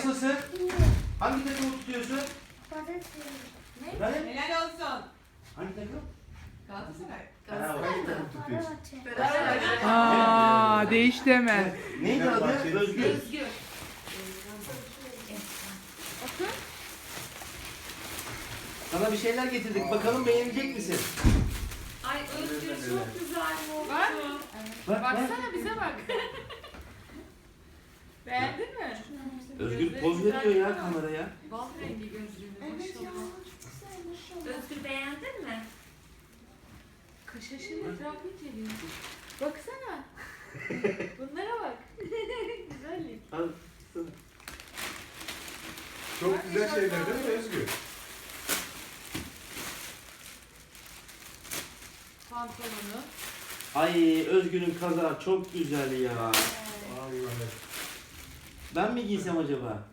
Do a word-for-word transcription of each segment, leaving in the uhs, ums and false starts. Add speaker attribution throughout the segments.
Speaker 1: Nasılsın? Hangi takımı tutuyorsun?
Speaker 2: Ne?
Speaker 1: Efendim?
Speaker 2: Helal olsun.
Speaker 1: Hangi takım?
Speaker 2: Galatasaray.
Speaker 1: Ha, hangi takım tutuyorsun?
Speaker 2: Fenerbahçe.
Speaker 3: Aa, değişti hemen.
Speaker 1: Neydi adı? Özgür.
Speaker 2: Özgür.
Speaker 1: Sana bir şeyler getirdik. Bakalım beğenecek misin?
Speaker 2: Ay Özgür çok güzel oldu.
Speaker 4: Bak.
Speaker 1: Bak, bak.
Speaker 4: Baksana bize bak. Beğendin mi?
Speaker 1: Özgür poz veriyor ya kameraya.
Speaker 2: Bal rengi gözlüğünü maşallah. Özgür beğendin mi?
Speaker 4: Kaşaşın etrafı inceliyor. Baksana. Bunlara bak. Güzellik.
Speaker 1: Al.
Speaker 5: Çok güzel şeyler değil mi Özgür?
Speaker 4: Pantolonu.
Speaker 1: Ay Özgür'ün kazağı çok güzel ya.
Speaker 5: Vallahi.
Speaker 1: Ben mi giysem acaba?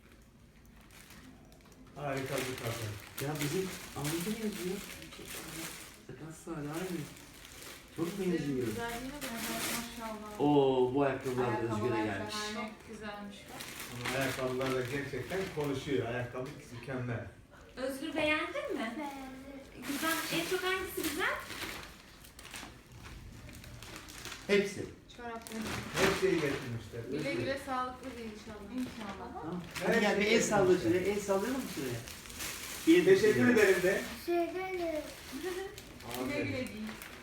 Speaker 5: Harika bir kadın.
Speaker 1: Ya bizim Ahmet'e benziyor. Sakat Salih aynı. Çok benziyor.
Speaker 4: Güzelliğine bak maşallah.
Speaker 1: Oo bu ayakkabılar da
Speaker 4: Ayakkabılar
Speaker 1: Özgür'e
Speaker 4: falan
Speaker 1: gelmiş.
Speaker 4: Çok güzelmiş bak.
Speaker 5: Ama ayakkabılar da gerçekten konuşuyor. Ayakkabı mükemmel.
Speaker 2: Özgür beğendin mi? Güzel. En çok hangisi güzel?
Speaker 1: Hepsi.
Speaker 4: Çorapları.
Speaker 5: Her şeyi getirmişler.
Speaker 4: Güle
Speaker 5: Özgür.
Speaker 4: güle sağlıklı bir inşallah. İnşallah.
Speaker 1: Tamam. Hadi gel bir el salla şuraya. El sallayalım mı şuraya? Bir el
Speaker 5: Teşekkür
Speaker 1: sallayalım.
Speaker 5: ederim de.
Speaker 4: Güle
Speaker 5: Aferin.
Speaker 4: güle giyin.